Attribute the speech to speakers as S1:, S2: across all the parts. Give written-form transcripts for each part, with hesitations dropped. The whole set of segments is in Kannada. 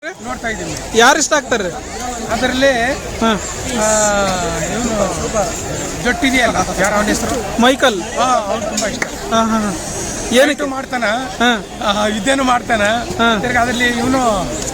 S1: ನೋಡ್ತಾ ಇದ್ದೀನಿ.
S2: ಯಾರು ಇಷ್ಟ ಆಗ್ತಾರೆ
S1: ಅದರಲ್ಲಿ
S2: ಹಾಂ
S1: ಇವನು ಜೊಟ್ಟಿದೆಯಲ್ಲ, ಯಾರು ಅವನ ಹೆಸರು?
S2: ಮೈಕಲ್.
S1: ಅವ್ನು ತುಂಬಾ ಇಷ್ಟ.
S2: ಹಾಂ ಹಾಂ ಹಾಂ
S1: ಏನಕ್ಕೆ ಮಾಡ್ತಾನ,
S2: ಹಾಂ
S1: ಇದೇನು ಮಾಡ್ತಾನ.
S2: ಹಾಂ.
S1: ತಿರ್ಗಿ ಅದರಲ್ಲಿ ಇವನು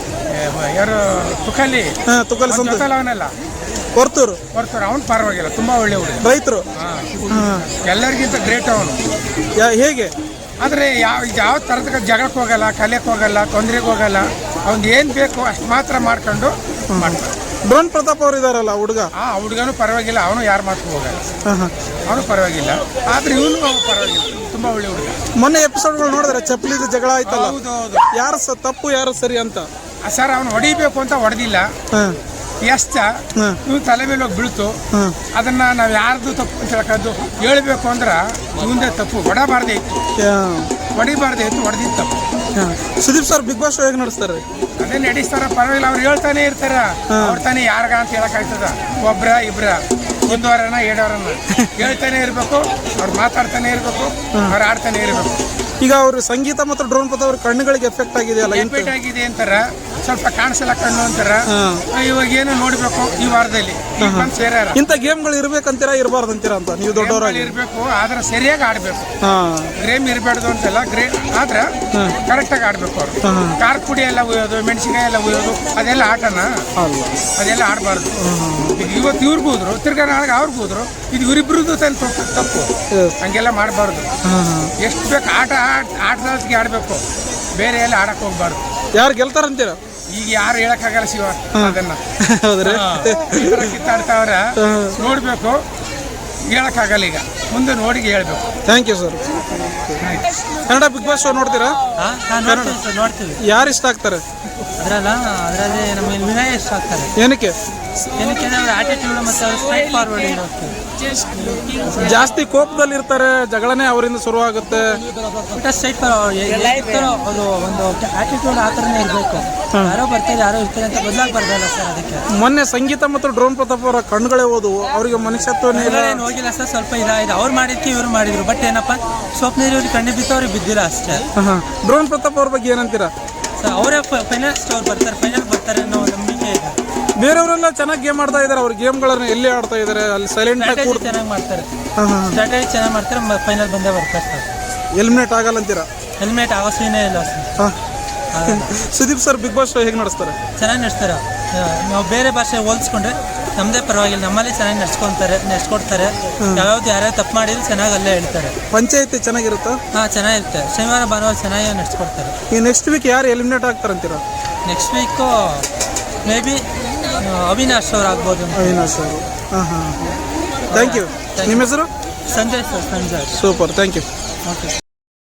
S1: ಯಾರು ತುಕಲಿ,
S2: ಹಾಂ ತುಕಲ್ ಸಂತ
S1: ಅವನೆಲ್ಲ
S2: ಕೊರ್ತೂರು
S1: ಬರ್ತಾರೆ. ಅವ್ನು ಪರವಾಗಿಲ್ಲ, ತುಂಬಾ ಒಳ್ಳೆ ಹುಡುಗ,
S2: ರೈತರು. ಹಾಂ
S1: ಎಲ್ಲರಿಗಿಂತ ಗ್ರೇಟ್ ಅವನು.
S2: ಹೇಗೆ
S1: ಆದರೆ ಯಾವ ಥರದ ಜಗಳಕ್ಕೆ ಹೋಗಲ್ಲ, ಕಲಿಯಕ್ಕೆ ಹೋಗಲ್ಲ, ತೊಂದರೆಗೆ ಹೋಗಲ್ಲ. ಅವ್ನಿಗೆ ಏನು ಬೇಕು ಅಷ್ಟು ಮಾತ್ರ ಮಾಡ್ಕೊಂಡು ಮಾಡ್ತಾರೆ.
S2: ಡ್ರೋನ್ ಪ್ರತಾಪ್ ಅವರು ಇದಾರಲ್ಲ ಹುಡುಗ,
S1: ಆ ಹುಡುಗನು ಪರವಾಗಿಲ್ಲ, ಅವನು ಯಾರು ಮಾತು ಹೋಗಲ್ಲ,
S2: ಹಾಂ ಹಾಂ
S1: ಅವನು ಪರವಾಗಿಲ್ಲ. ಆದ್ರೆ ಇವನು ಪರವಾಗಿಲ್ಲ, ತುಂಬಾ ಒಳ್ಳೆ ಹುಡುಗ.
S2: ಮೊನ್ನೆ ಎಪಿಸೋಡ್ಗಳು ನೋಡಿದ್ರೆ ಚಪ್ಪಲಿದ ಜಗಳ ಆಯ್ತಲ್ಲ,
S1: ಹೌದು ಹೌದು.
S2: ಯಾರು ತಪ್ಪು ಯಾರು ಸರಿ ಅಂತ.
S1: ಸರ್ ಅವನು ಹೊಡಿಬೇಕು ಅಂತ ಹೊಡೆದಿಲ್ಲ,
S2: ಹಾಂ
S1: ಎಷ್ಟ
S2: ಹಾಂ
S1: ಇವ್ನು ತಲೆ ಮೇಲೆ ಹೋಗಿ ಬೀಳ್ತು.
S2: ಹಾಂ
S1: ಅದನ್ನ ನಾವು ಯಾರ್ದು ತಪ್ಪು ಅಂತ ಹೇಳ್ಕೊಂಡು ಹೇಳ್ಬೇಕು ಅಂದ್ರೆ ಇವಂದೇ ತಪ್ಪು. ಹೊಡಬಾರ್ದೇ ಇತ್ತು, ಹೊಡಿಬಾರ್ದೇ ಇತ್ತು, ಹೊಡೆದಿದ್ದು ತಪ್ಪು.
S2: Sudeep sir big boss show ಹೇಗೆ ನಡೆಸ್ತಾರೆ?
S1: ಅದೇ ನಡೆಸ್ತಾರ, ಪರವಾಗಿಲ್ಲ. ಅವ್ರು ಹೇಳ್ತಾನೆ ಇರ್ತಾರ, ಅವ್ರ ತಾನೇ ಯಾರ್ಗ ಅಂತ ಹೇಳಕ್ಕಾಗ್ತದ? ಒಬ್ರ ಇಬ್ರ, ಒಂದವರನ ಎರಡವರನ್ನ ಹೇಳ್ತಾನೆ ಇರ್ಬೇಕು, ಅವ್ರು ಮಾತಾಡ್ತಾನೆ ಇರ್ಬೇಕು, ಅವ್ರು ಆಡ್ತಾನೆ ಇರ್ಬೇಕು.
S2: ಈಗ ಅವರು ಸಂಗೀತ ಮತ್ತು ಡ್ರೋನ್ ಪ್ರತಾಪ್ ಅವ್ರ ಕಣ್ಣುಗಳಿಗೆ ಎಫೆಕ್ಟ್ ಆಗಿದೆಯಲ್ಲ,
S1: ಇಂಪೇಟ್ ಆಗಿದೆ ಅಂತಾರ, ಸ್ವಲ್ಪ ಕಾಣಿಸಲ್ಲ ಕಣ್ಣು ಅಂತಾರ. ಇವಾಗ ಏನು ನೋಡ್ಬೇಕು ಈ ವಾರದಲ್ಲಿ ಸೇರ್ಯಾರ.
S2: ಇಂಥ ಗೇಮ್ಗಳು ಇರ್ಬೇಕಂತೀರಾ ಇರಬಾರ್ದಂತೀರಾ ಅಂತ ನೀವು ದೊಡ್ಡವರಾಗಿ?
S1: ಇರ್ಬೇಕು, ಆದ್ರೆ ಸರಿಯಾಗಿ ಆಡ್ಬೇಕು.
S2: ಹಾಂ
S1: ಗ್ರೇಮ್ ಇರಬಾರ್ದು ಅಂತೆಲ್ಲ, ಆದ್ರೆ ಕರೆಕ್ಟಾಗಿ ಆಡ್ಬೇಕು. ಅವರು ಖಾರ ಪುಡಿ ಎಲ್ಲ ಉಯ್ಯೋದು, ಮೆಣಸಿನಕಾಯಿ ಎಲ್ಲ ಉಯ್ಯೋದು, ಅದೆಲ್ಲ ಆಟನ
S2: ಅಲ್ಲ,
S1: ಅದೆಲ್ಲ ಆಡಬಾರ್ದು. ಈಗ ಇವತ್ತು ಇವ್ರಿಗೂ ಹೋದ್ರು, ತಿರ್ಗಾ ನಾಳೆ ಅವ್ರಿಗೂ ಹೋದ್ರು, ಇದು ಇವರಿಬ್ರದ್ದು ತಪ್ಪು. ಹಂಗೆಲ್ಲ ಮಾಡಬಾರ್ದು. ಎಷ್ಟು ಬೇಕು ಆಟದೊತ್ತಿಗೆ ಆಡಬೇಕು, ಬೇರೆ ಎಲ್ಲ ಆಡಕ್ಕೆ ಹೋಗ್ಬಾರ್ದು.
S2: ಯಾರು ಗೆಲ್ತಾರಂತೀರಾ?
S1: ಈಗ ಯಾರು ಹೇಳಕ್ಕಾಗಲ್ಲ ಶಿವ, ಅದನ್ನ
S2: ಹೌದ್ರಿ
S1: ಕಿತ್ತಾಡ್ತಾವ್ರ ನೋಡ್ಬೇಕು, ಹೇಳಕ್ಕಾಗಲ್ಲ. ಈಗ ಮುಂದೆ ನೋಡಿ ಹೇಳ್ಬೇಕು.
S2: Thank you sir. Kannada big boss show ನೋಡ್ತೀರಾ?
S3: ನೋಡ್ತೀವಿ.
S2: ಯಾರು ಇಷ್ಟ ಆಗ್ತಾರೆ
S3: ಅದರಲ್ಲಿ ನಮಗೆ ವಿನಯ್ ಇಷ್ಟ ಆಗ್ತಾರೆ.
S2: ಏನಕ್ಕೆ?
S3: ಏನಕ್ಕೆ ಅವ್ರ ಆಟಿಟ್ಯೂಡ್ ಮತ್ತು ಅವ್ರ ಸ್ಟ್ರೈಟ್ ಫಾರ್ವರ್ಡ್ ಇರುತ್ತೆ.
S2: ಜಾಸ್ತಿ ಕೋಪದಲ್ಲಿ ಇರ್ತಾರೆ, ಜಗಳನೆ ಅವರಿಂದ ಶುರುವಾಗುತ್ತೆ.
S3: ಸ್ಟ್ರೈಟ್ ಫಾರ್ವರ್ಡ್ ಅದು ಒಂದು ಆಟಿಟ್ಯೂಡ್ ಆ ಥರನೇ ಇರಬೇಕು. ಯಾರೋ ಬರ್ತಾರೆ ಯಾರೋ ಇರ್ತಾರೆ ಅಂತ ಬದಲಾಗಬಾರ್ದಲ್ಲ ಸರ್. ಅದಕ್ಕೆ
S2: ಮೊನ್ನೆ ಸಂಗೀತ ಮತ್ತು ಡ್ರೋನ್ ಪ್ರತಾಪ್ ಅವರ ಕಣ್ಗಳೇ ಹೋದವು, ಅವರಿಗೆ ಮನುಷ್ಯತ್ವನೇ ಇಲ್ಲ.
S3: ಏನು ಹೋಗಿಲ್ಲ ಸರ್, ಸ್ವಲ್ಪ ಇದಾಗಿದೆ. ಅವ್ರು ಮಾಡಿದ್ಕೆ ಇವ್ರು ಮಾಡಿದ್ರು, ಬಟ್ ಏನಪ್ಪ ಸ್ವಪ್ನ ಇವ್ರಿಗೆ ಕಣ್ಣು ಬಿತ್ತು, ಅವ್ರಿಗೆ ಬಿದ್ದಿಲ್ಲ ಅಷ್ಟೇ.
S2: ಡ್ರೋನ್ ಪ್ರತಾಪ್ ಅವ್ರ ಬಗ್ಗೆ ಏನಂತೀರಾ?
S3: ಸರ್ ಅವರೇ ಫೈನಲ್ಸ್ಟ್ ಅವ್ರು ಫೈನಲ್ ಬರ್ತಾರೆ ಅನ್ನೋ ನಂಬಿಕೆ ಇದೆ.
S2: ಬೇರೆಯವರೆಲ್ಲ ಚೆನ್ನಾಗಿ ಗೇಮ್ ಆಡ್ತಾ ಇದ್ದಾರೆ, ಅವ್ರ ಗೇಮ್ಗಳನ್ನ ಎಲ್ಲಿ ಆಡ್ತಾ ಇದ್ದಾರೆ, ಅಲ್ಲಿ ಸೈಲೆಂಟ್ ಆಗಿ
S3: ಚೆನ್ನಾಗಿ ಮಾಡ್ತಾರೆ, ಸ್ಟ್ರಾಟಜಿ ಚೆನ್ನಾಗಿ ಮಾಡ್ತಾರೆ, ಫೈನಲ್ ಬಂದೇ ಬರ್ತಾರೆ ಸರ್.
S2: ಎಲಿಮಿನೇಟ್ ಆಗಲ್ಲ ಅಂತೀರಾ?
S3: ಹೆಲ್ಮೆಟ್ ಆಗೋ ಸೀನೇ ಇಲ್ಲ sir.
S2: Sudeep sir big boss show ಹೇಗೆ ನಡೆಸ್ತಾರೆ?
S3: ಚೆನ್ನಾಗಿ ನಡೆಸ್ತಾರೆ. ನಾವು ಬೇರೆ ಭಾಷೆ ಹೋಲಿಸ್ಕೊಂಡ್ರೆ ನಮ್ಮದೇ ಪರವಾಗಿಲ್ಲ, ನಮ್ಮಲ್ಲಿ ಚೆನ್ನಾಗಿ ನಡೆಸ್ಕೊಡ್ತಾರೆ. ಯಾವ್ಯಾವ್ದು ಯಾರ್ಯಾರು ತಪ್ಪು ಮಾಡಿದ್ರು ಚೆನ್ನಾಗಿ ಅಲ್ಲೇ ಹೇಳ್ತಾರೆ.
S2: ಪಂಚಾಯತಿ ಚೆನ್ನಾಗಿರುತ್ತಾ?
S3: ಹಾಂ ಚೆನ್ನಾಗಿರುತ್ತೆ. ಶನಿವಾರ ಭಾನುವಾರ ಚೆನ್ನಾಗಿ ನಡೆಸ್ಕೊಡ್ತಾರೆ.
S2: ಈ ನೆಕ್ಸ್ಟ್ ವೀಕ್ ಯಾರು ಎಲಿಮಿನೇಟ್ ಆಗ್ತಾರಂತೀರಾ?
S3: Next week may be Avinash ಅವ್ರು ಆಗ್ಬೋದು.
S2: ಅವಿನಾಶ್ ಅವರು. ಹಾಂ ಹಾಂ ಥ್ಯಾಂಕ್ ಯು. ನಿಮ್ಮ ಹೆಸರು?
S3: Sanjay sir. Sanjay.
S2: Super, thank you.
S3: Okay.